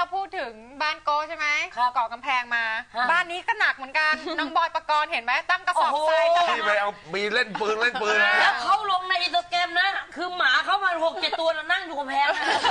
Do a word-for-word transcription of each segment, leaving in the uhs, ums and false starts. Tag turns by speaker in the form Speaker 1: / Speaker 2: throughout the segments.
Speaker 1: พูดถึงบ้านโกใช่ไหมก่อกำแพงมาบ้านนี้ก็หนักเหมือนกันน้องบอยปกรณ์เห็นไหมตั้งกระสอบทราย
Speaker 2: ที่ไปเอามีเล่นปืนเล่นปืน
Speaker 3: แล้วเขาลงในอินสตาแกรมนะคือหมาเขามาหกเจ็ดตัวนั่งอยู่กำแพง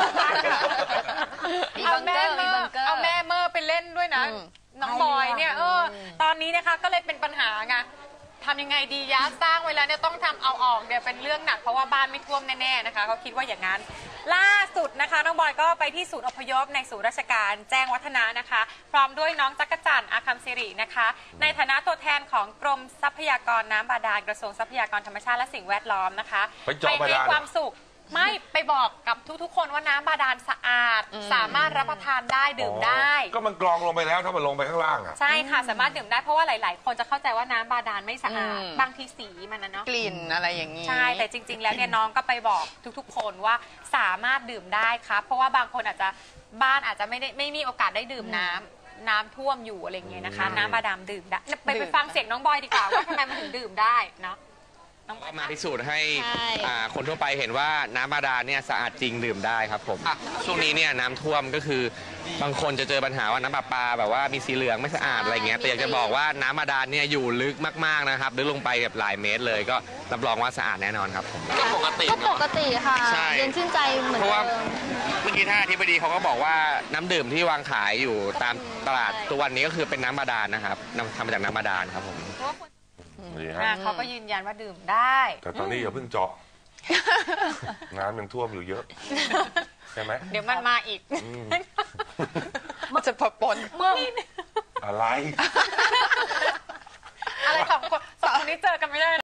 Speaker 1: เอาแม่เมอร์เอาแม่เมอร์ไปเล่นด้วยนะน้องบอยเนี่ยเออตอนนี้นะคะก็เลยเป็นปัญหาไงทำยังไงดียะสร้างไว้แล้วเนี่ยต้องทำเอาออกเดี๋ยวเป็นเรื่องหนักเพราะว่าบ้านไม่ท่วมแน่ๆนะคะเขาคิดว่าอย่างนั้นล่าสุดนะคะน้องบอยก็ไปที่ศูนย์อพยพในศูนย์ราชการแจ้งวัฒนะนะคะพร้อมด้วยน้องจักรจันทร์อาคัมศิรินะคะในฐานะตัวแทนของกรมทรัพยากรน้ำบาดาลกระทรวงทรัพยากรธรรมชาติและสิ่งแวดล้อมนะคะไปให้ความสุขไม่ไปบอกกับทุกๆคนว่าน้ำบาดาลสะอาดสามารถรับประทานได้ดื่มได้
Speaker 2: ก็มันกรองลงไปแล้วถ้ามันลงไปข้างล่างอ่ะ
Speaker 1: ใช่ค่ะสามารถดื่มได้เพราะว่าหลายๆคนจะเข้าใจว่าน้ำบาดาลไม่สะอาดบางทีสีมันนะเนาะ
Speaker 4: กลิ่นอะไรอย่างนี้
Speaker 1: ใช่แต่จริงๆแล้วเนี่ยน้องก็ไปบอกทุกๆคนว่าสามารถดื่มได้ครับเพราะว่าบางคนอาจจะบ้านอาจจะไม่ได้ไม่มีโอกาสได้ดื่มน้ำน้ำท่วมอยู่อะไรเงี้ยนะคะน้ำบาดาลดื่มได้ไปไปฟังเสียงน้องบอยดีกว่าว่าทำไมมันถึงดื่มได้เนาะ
Speaker 5: ก็มาพิสูจน์ให้คนทั่วไปเห็นว่าน้ำบาดาลเนี่ยสะอาดจริงดื่มได้ครับผมช่วงนี้เนี่ยน้ำท่วมก็คือบางคนจะเจอปัญหาว่าน้ำประปาแบบว่ามีสีเหลืองไม่สะอาดอะไรเงี้ยแต่อยากจะบอกว่าน้ำบาดาลเนี่ยอยู่ลึกมากๆนะครับลึกลงไปแบบหลายเมตรเลยก็รับรองว่าสะอาดแน่นอนครับผมก็ปกติ
Speaker 4: ก็ปกติค่ะเย็นชื่นใจเหมือนเดิม
Speaker 5: เพราะว่าเมื่อกี้ท่านอธิบดีเขาก็บอกว่าน้ำดื่มที่วางขายอยู่ตามตลาดตัววันนี้ก็คือเป็นน้ำบาดาลนะครับทำมาจากน้ำบาดาลครับผม
Speaker 1: เขาก็ยืนยันว่าดื่มได้
Speaker 2: แต่ตอนนี้อย่าเพิ่งเจาะน้ำยังท่วมอยู่เยอะใช่ไหม
Speaker 1: เดี๋ยวมันมาอีก
Speaker 4: มันจะปะปน
Speaker 2: อะไร
Speaker 1: อะไรสองคนสองคนนี้เจอกันไม่ได้